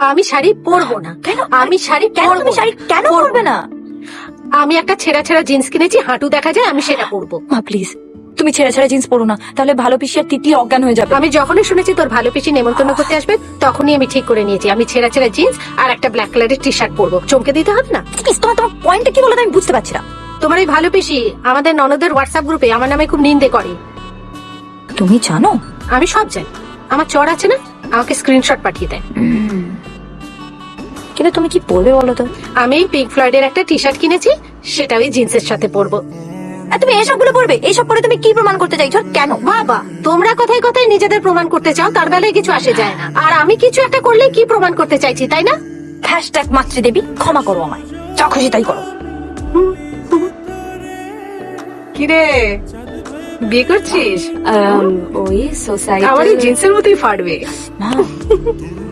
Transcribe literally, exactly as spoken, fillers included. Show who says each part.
Speaker 1: আমি শাড়ি পরবো না।
Speaker 2: কেন?
Speaker 1: আমি শাড়ি
Speaker 2: কেন
Speaker 1: পরবো
Speaker 2: তুমি শাড়ি কেন
Speaker 1: পরবো
Speaker 2: পরবে না?
Speaker 1: আমি একটা ছেঁড়া ছেঁড়া জিন্স কিনেছি, হাঁটু দেখা যায়, আমি সেটা পরবো।
Speaker 2: মা প্লিজ, তুমি ছেঁড়া ছেঁড়া জিন্স পরো না, তাহলে ভালো পিসি আর তিতলি অজ্ঞান হয়ে যাবে।
Speaker 1: আমি যখনই শুনেছি তোর ভালো পিসি নেমন্তন্ন করতে আসবে, তখনই আমি ঠিক করে নিয়েছি আমি ছেঁড়া ছেঁড়া জিন্স আর একটা ব্ল্যাক কালারের টি শার্ট পরবো। চমকে দিতে হবে না।
Speaker 2: প্লিজ, তোমার তোমার পয়েন্টটা কি বলো তো আমি বুঝতে পারছি না।
Speaker 1: তোমার এই ভালো পিসি আমাদের ননদের হোয়াটসঅ্যাপ গ্রুপে আমার নামে খুব নিন্দে করে।
Speaker 2: তুমি জানো?
Speaker 1: আমি সব জানি। আমার চর আছে না, আমাকে স্ক্রিনশট পাঠিয়ে দেয়।
Speaker 2: কিন্তু তুমি কি পরবে বলো তো?
Speaker 1: আমি পিঙ্ক ফ্লয়েডের একটা টি শার্ট কিনেছি, সেটা ওই জিন্সের সাথে পরবো।
Speaker 2: আর তুমি এসবগুলো পরবে? এইসব পরে তুমি কি প্রমাণ করতে চাইছো? কেন?
Speaker 1: বাবা, তোমরা কথায় কথায় নিজেদের প্রমাণ করতে চাও, তার বেলায় কিছু আসে যায় না। আর আমি কিছু একটা করলে কি প্রমাণ করতে চাইছি, তাই না?
Speaker 2: হ্যাশট্যাগ মাতৃদেবী, ক্ষমা করো আমায়, যা খুশি তাই করো।
Speaker 1: কিরে, বিয়ে করছিস?
Speaker 2: ওই সোসাইটি
Speaker 1: আমার এই জিন্সের মতোই ফাটবে।
Speaker 2: মা